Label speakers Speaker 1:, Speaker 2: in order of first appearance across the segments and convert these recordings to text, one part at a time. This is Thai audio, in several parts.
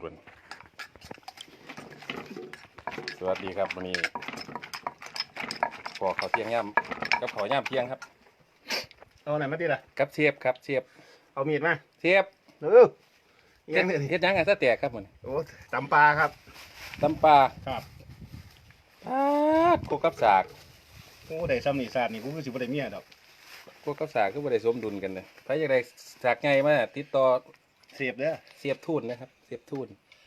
Speaker 1: สวัสดีครับวันนี้พอเขาเที่ยงย่ำกับเขาย่ำเที่ยงครับ
Speaker 2: เอาไหนมาดิล่ะ
Speaker 1: กับเชียบครับเชียบ
Speaker 2: เอามีดมา
Speaker 1: เชียบ
Speaker 2: เฮ็ด
Speaker 1: เฮ็ดยังไงซะแตกครับมัน
Speaker 2: โอ้ตำปลาครับ
Speaker 1: ตำปลา
Speaker 2: ครับ
Speaker 1: กูกับสาก
Speaker 2: โอ้ได้ซ้ำนี่ซาดนี่กูคือสิบ่ได้เมียดอก
Speaker 1: กูกับสากก็บ่ได้สมดุลกันเลยถ้าอยากได้สากไงมาติดต่อ
Speaker 2: เสียบเด้อ
Speaker 1: เสียบทุ่นนะครับเสียบทุ่น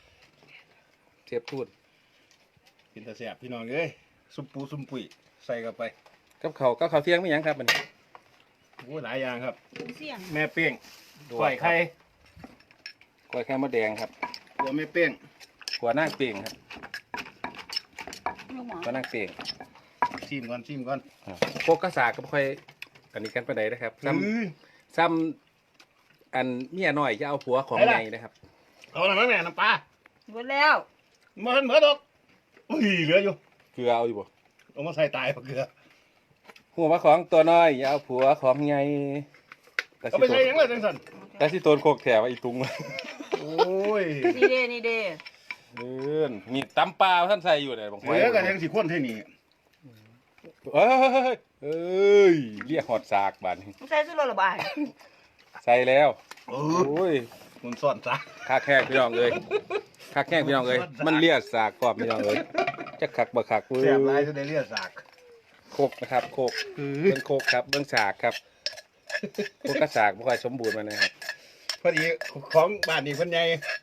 Speaker 2: กินแต่แซ่บพี่น้องเอ้ยซุปปูซุปปุ๋ยใส่เข้าไป
Speaker 1: กับเขาเที่ยงไม่ยังครับมัน
Speaker 2: โอ้หลายอย่างครับ
Speaker 3: เสี่ยง
Speaker 2: แม่เป้งกล้วยไข่
Speaker 1: กล้วยไข่มดแดงครับ
Speaker 2: ตัวแม่เป้ง
Speaker 1: หัวหน้าเป่งครับ
Speaker 3: ลูกหมอ
Speaker 1: หัวหน้าเป่ง
Speaker 2: ชิมก่อน
Speaker 1: พวกกระสากก็ค่อยอันนี้กันไปไหนนะครับซ้ำอันเมียน้อยจะเอาผัวของไงนะครับ
Speaker 2: เอาหน่อยมั้งแม่น้ำปลา
Speaker 3: หมดแล้ว
Speaker 2: เหมือนดอกอุ้ยเหลืออยู่
Speaker 1: เกลือเอาอยู่บ่
Speaker 2: เอามาใส่ตายเกลือ
Speaker 1: หัวมาของตัวน้อยอย่าเอาผัวของไง
Speaker 2: เอาไปใส่ยังไงจังสัน
Speaker 1: แต่ที่โตนโคกแถวไอ้ตุง
Speaker 2: โอ้ย
Speaker 3: นี่เด้
Speaker 1: นี่ตำปลาท่านใส่อยู่เนี่ยบางคน
Speaker 2: เหลือกันยังสิคนเท่านี้
Speaker 1: เอ้ยเรียกหอดสากบาดนี้
Speaker 3: ใส่สุดระบาย
Speaker 1: ใส่แล้ว
Speaker 2: โอ้
Speaker 1: โอ้ย
Speaker 2: มันซ่อนซะ
Speaker 1: คักแห้งพี่น้องเลยคักแห้งพี่น้องเลยมันเลียดสากกรอบพี่น้องเลยจะคักบ่คัก
Speaker 2: แซ่บหลายจะได้เลียดสาก
Speaker 1: โคกนะครับโคกเบิ้งโคกครับเบิ้งสากครับโคกกระสากบ่ค่อยสมบูรณ์มานะครับ
Speaker 2: พอดีของบ้านนี้เพิ่นใหญ่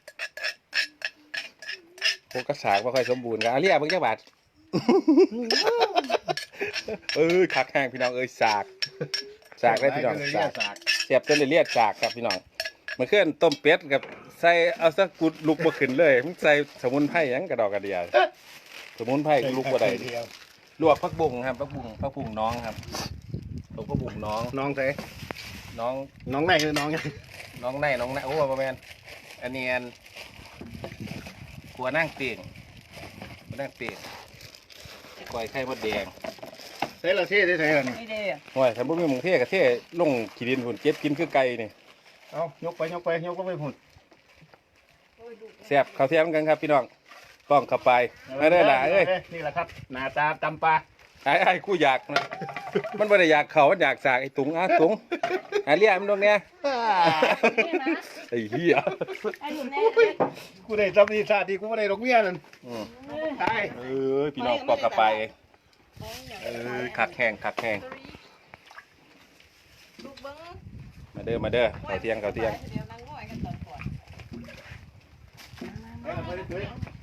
Speaker 1: โคกกระสากบ่ค่อยสมบูรณ์ครับเรียกเบิ้งจักบาทคักแห้งพี่น้องสากได้พี่น้องสากเสียบจนได้เลียดสากครับพี่น้องเมื่อคืนต้มเป็ดกับใส่เอาสักกุดลุกบ่ขึ้นเลยมันใส่สมุนไพรหยังกระดอกกระเดียสมุนไพรลุกบ่ได้ลวกผักบุ้งครับผักบุ้งน้องครับผักบุ้งน้อง
Speaker 2: น้องใส่
Speaker 1: น้อง
Speaker 2: น้องไหนคือน้องยัง
Speaker 1: น้องในโอ้ประมาณอันนี้ขัวนั่งเตียงก้อยไข่มดแดง
Speaker 2: ใส่ละเท่ใส่ละนี่
Speaker 3: นี่เด้
Speaker 1: โอ้ยถ้าบ่มีหมูเทกับเทลงขี้ดินพุ่นเก็บกินคือไก่นี่
Speaker 2: เอายกไปพุ่น
Speaker 1: แซ่บข้าวเทียมกันครับพี่น้องต้องเข้าไปไม่ได้ด่าเอ้ย
Speaker 2: นี่แหละครับหน้าตาตำปลา
Speaker 1: ไอ้กูอยากนะมันบ่ได้อยากเขามันอยากสากไอ้ตุงตุงเรียกมันตรงเนี้ยไอ้เหี้ย
Speaker 3: ไอ้หนุ่มแน่
Speaker 2: กูได้จำนี่ชาติกูไม่ได้ดอกเบี้ยนั่นตาย
Speaker 1: พี่น้องปอกกระไปคักแห้ง
Speaker 3: ลูกเบิ้ง
Speaker 1: มาเด้อข้าวเที่ยง
Speaker 3: เดี๋ยวนั่งง่อยกันตอนก่อน
Speaker 2: ไปเลย